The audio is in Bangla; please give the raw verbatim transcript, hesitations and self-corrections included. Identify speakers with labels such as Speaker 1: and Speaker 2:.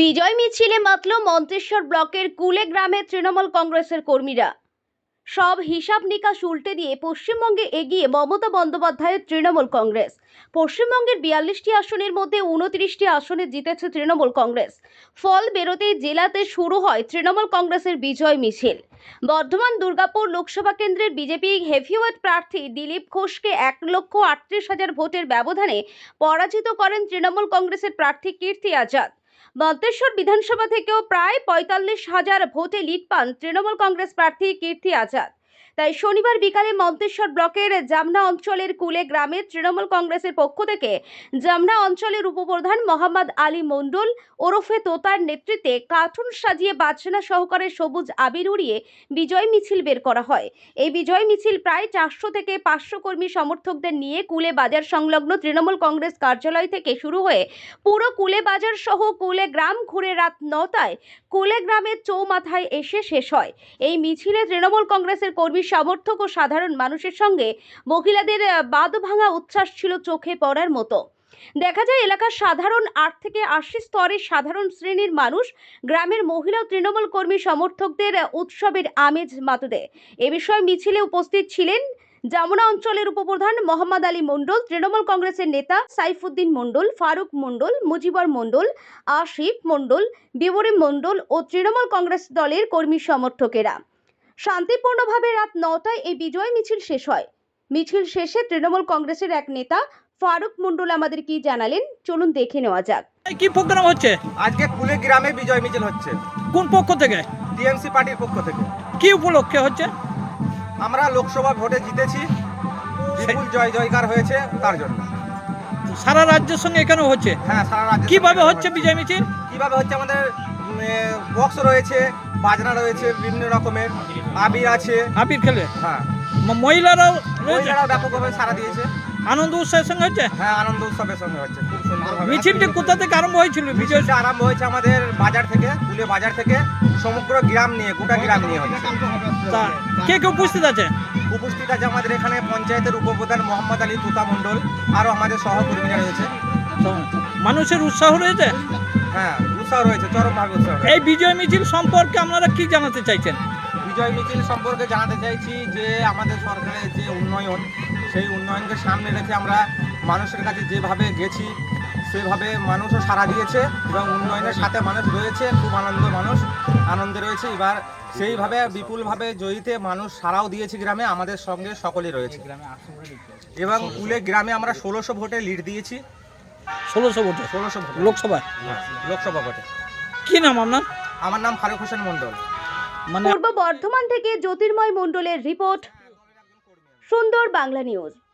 Speaker 1: বিজয় মিছিলে মাতল মন্তেশ্বর ব্লকের কুলে গ্রামের তৃণমূল কংগ্রেসের কর্মীরা। সব হিসাব নিকাশ উল্টে দিয়ে পশ্চিমবঙ্গে এগিয়ে মমতা বন্দ্যোপাধ্যায়ের তৃণমূল কংগ্রেস। পশ্চিমবঙ্গের বিয়াল্লিশটি আসনের মধ্যে উনত্রিশটি আসনে জিতেছে তৃণমূল কংগ্রেস। ফল বেরোতেই জেলাতে শুরু হয় তৃণমূল কংগ্রেসের বিজয় মিছিল। বর্ধমান দুর্গাপুর লোকসভা কেন্দ্রের বিজেপি হেভিওয়েট প্রার্থী দিলীপ ঘোষকে এক লক্ষ আটত্রিশ হাজার ভোটের ব্যবধানে পরাজিত করেন তৃণমূল কংগ্রেসের প্রার্থী কীর্তি আজাদ। মন্তেশ্বর বিধানসভা থেকেও প্রায় পঁয়তাল্লিশ হাজার ভোটে লিড পান তৃণমূল কংগ্রেস প্রার্থী কীর্তি আজাদ। তাই শনিবার বিকালে মন্তেশ্বর ব্লকের জামনা অঞ্চলের কুলে গ্রামের তৃণমূল কংগ্রেসের পক্ষ থেকে জামনা অঞ্চলের উপপ্রধান মোহাম্মদ আলী মণ্ডল ওরফে তোতার নেতৃত্বে কার্টুন সাজিয়ে বাজনা সহকারে সবুজ আবির উড়িয়ে বিজয় মিছিল বের করা হয়। এই বিজয় মিছিল প্রায় চারশো থেকে পাঁচশো কর্মী সমর্থকদের নিয়ে কুলে বাজার সংলগ্ন তৃণমূল কংগ্রেস কার্যালয় থেকে শুরু হয়ে পুরো কুলে বাজার সহ কুলে গ্রাম ঘুরে রাত নটায় কুলে গ্রামের চৌমাথায় এসে শেষ হয়। এই মিছিলে তৃণমূল কংগ্রেসের কর্মী সমর্থক ও সাধারণ মানুষের সঙ্গে মহিলাদের বাদ ভাঙা উচ্ছ্বাস ছিল চোখে পড়ার মতো। দেখা যায় এলাকার সাধারণ আট থেকে আশি স্তরের সাধারণ শ্রেণীর মানুষ গ্রামের মহিলা ও তৃণমূল কর্মী সমর্থকদের উৎসবের আমেজ মাতুদে। এ বিষয়ে মিছিলে উপস্থিত ছিলেন জামনা অঞ্চলের উপপ্রধান মোহাম্মদ আলী মণ্ডল, তৃণমূল কংগ্রেসের নেতা সাইফুদ্দিন মণ্ডল, ফারুক মণ্ডল, মুজিবর মণ্ডল, আসিফ মণ্ডল, বিবরী মণ্ডল ও তৃণমূল কংগ্রেস দলের কর্মী সমর্থকেরা। শান্তিপূর্ণভাবে রাত নটায় এই বিজয় মিছিল শেষ হয়। মিছিল শেষে তৃণমূল কংগ্রেসের এক নেতা ফারুক মণ্ডল আমাদের কি জানালেন, চলুন দেখে নেওয়া যাক।
Speaker 2: কি প্রোগ্রাম হচ্ছে
Speaker 3: আজকে কুলে গ্রামে বিজয় মিছিল হচ্ছে।
Speaker 2: কোন পক্ষ থেকে?
Speaker 3: টিএমসি পার্টির পক্ষ থেকে।
Speaker 2: কি উপলক্ষে হচ্ছে?
Speaker 3: আমরা লোকসভা ভোটে জিতেছি, বিপুল জয় জয়কার হয়েছে তার জন্য।
Speaker 2: সারা রাজ্যের সঙ্গে এখানে হচ্ছে?
Speaker 3: হ্যাঁ, সারা রাজ্য।
Speaker 2: কিভাবে হচ্ছে বিজয় মিছিল?
Speaker 3: কিভাবে হচ্ছে, আমাদের বক্স রয়েছে, বাজনা রয়েছে, বিভিন্ন রকমের আবির আছে।
Speaker 2: আবির খেলে?
Speaker 3: হ্যাঁ।
Speaker 2: ম- মহিলারাও রয়েছে?
Speaker 3: মহিলারাও ব্যাপকভাবে সাড়া দিয়েছে।
Speaker 2: আনন্দ উৎসবের সঙ্গে হচ্ছে?
Speaker 3: হ্যাঁ, আনন্দ উৎসবের সঙ্গে হচ্ছে, খুব সুন্দরভাবে।
Speaker 2: মিছিলটি কোথা থেকে আরম্ভ হয়েছিল? বিজয়
Speaker 3: মিছিলটা আরম্ভ হয়েছে আমাদের বাজার থেকে, কুলে বাজার থেকে, সমগ্র গ্রাম নিয়ে, গোটা গ্রাম নিয়ে হচ্ছে।
Speaker 2: তা কে কে উপস্থিত আছে?
Speaker 3: উপস্থিত আছে আমাদের এখানে পঞ্চায়েতের উপপ্রধান মোহাম্মদ আলী তোতা মণ্ডল, আরও আমাদের সহকর্মীরা রয়েছে।
Speaker 2: তো মানুষের উৎসাহ রয়েছে?
Speaker 3: হ্যাঁ, উৎসাহ রয়েছে, চরমভাবে উৎসাহ রয়েছে।
Speaker 2: এই বিজয় মিছিল সম্পর্কে আপনারা কি জানাতে চাইছেন?
Speaker 3: বিজয় মিছিল সম্পর্কে জানাতে চাইছি যে আমাদের সরকারের যে উন্নয়ন, সেই উন্নয়নকে সামনে রেখে আমরা মানুষের কাছে যেভাবে গেছি সেভাবে মানুষও সাড়া দিয়েছে এবং উন্নয়নের সাথে মানুষ রয়েছে, খুব আনন্দ, মানুষ আনন্দে রয়েছে। এবার সেইভাবে বিপুলভাবে জয়ীতে মানুষ সাড়াও দিয়েছে গ্রামে, আমাদের সঙ্গে সকলেই রয়েছে। এবং কুলে গ্রামে আমরা ষোলোশো ভোটে লিড দিয়েছি।
Speaker 2: ষোলোশো ভোটে?
Speaker 3: ষোলোশো ভোটে
Speaker 2: লোকসভায়?
Speaker 3: লোকসভা ভোটে।
Speaker 2: কি নাম আপনার?
Speaker 3: আমার নাম ফারুক হোসেন মণ্ডল।
Speaker 2: মানে
Speaker 1: পূর্ব বর্ধমান থেকে জ্যোতির্ময় মণ্ডলের রিপোর্ট, সুন্দর বাংলা নিউজ।